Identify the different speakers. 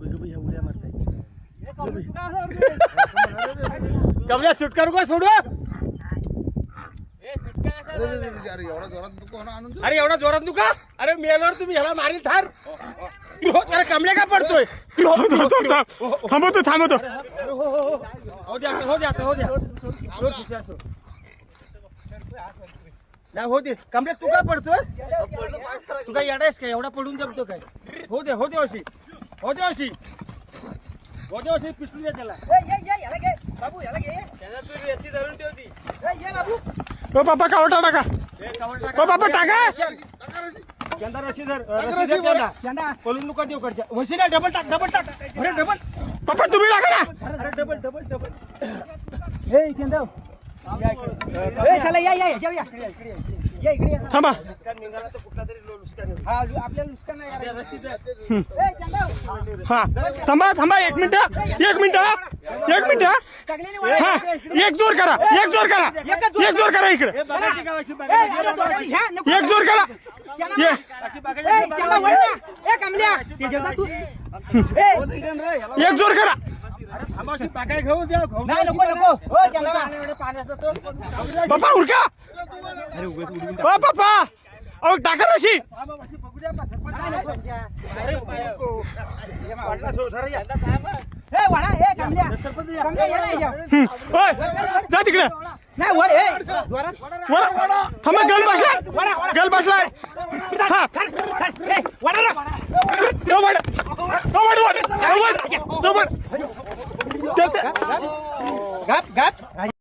Speaker 1: कमल्या shoot करू का सोडू अरे एवढा जोरात दुखा अरे मेलवर तुम्ही ह्याला मारील थार अरे कमल्या का पडतोय
Speaker 2: थांबवतो थांबवतो
Speaker 1: हो द्या हो द्या हो द्या नाही हो दे कमल्या तू का पडतोय तू काय येडायस काय एवढा पडून जमतो काय हो दे अशी हो दे अशी हो दे अशी पिस्तूल द्या त्याला बाबू याला घे त्याला तू रेसी धरून ठेवती बाबू
Speaker 2: ओ बाबा कावटा टाका ओ बाबा टाका
Speaker 1: चंदा रशी धर रशी धर चंदा पळून नुका देऊ करच्या वशी ना डबल टाक अरे डबल
Speaker 2: पप्पा तुम्ही टाका ना
Speaker 1: अरे डबल
Speaker 3: हे चंदा ए चला या जाऊया इकडे
Speaker 2: थांबा
Speaker 1: निघाला तर कुठला तरी लुस्का
Speaker 3: हा आपल्याला नुकसान नाही करायचं.
Speaker 1: रशी धर
Speaker 3: ए चंदा
Speaker 2: हा थांबा 1 मिनिट
Speaker 3: टाकलेली
Speaker 2: हा एक जोर करा इकडे
Speaker 1: हे बघायची का अशी
Speaker 3: ए
Speaker 1: बघायची
Speaker 3: ह्या नको
Speaker 2: एक जोर करा ये
Speaker 1: अशी
Speaker 3: ए
Speaker 1: बघायची
Speaker 3: चला वळ ना ए कमल्या ते जगा तू
Speaker 2: एक जोर करा
Speaker 1: अरे थांबाशी बागाय घेऊ द्या
Speaker 3: नाही नको हो चंदा
Speaker 1: पाण्याचा तो
Speaker 2: पप्पा उरका ओ पप्पा अहो टाका रशी
Speaker 1: बघू द्या अरे वाटला सोसारा या
Speaker 3: ए वळा ए कमल्या याला या
Speaker 2: ओय जा तिकडे
Speaker 3: नाही वळ ए जोरात
Speaker 2: वळा थांबा गल बसलाय हा
Speaker 3: ए वळा रे
Speaker 2: तो वड
Speaker 3: गप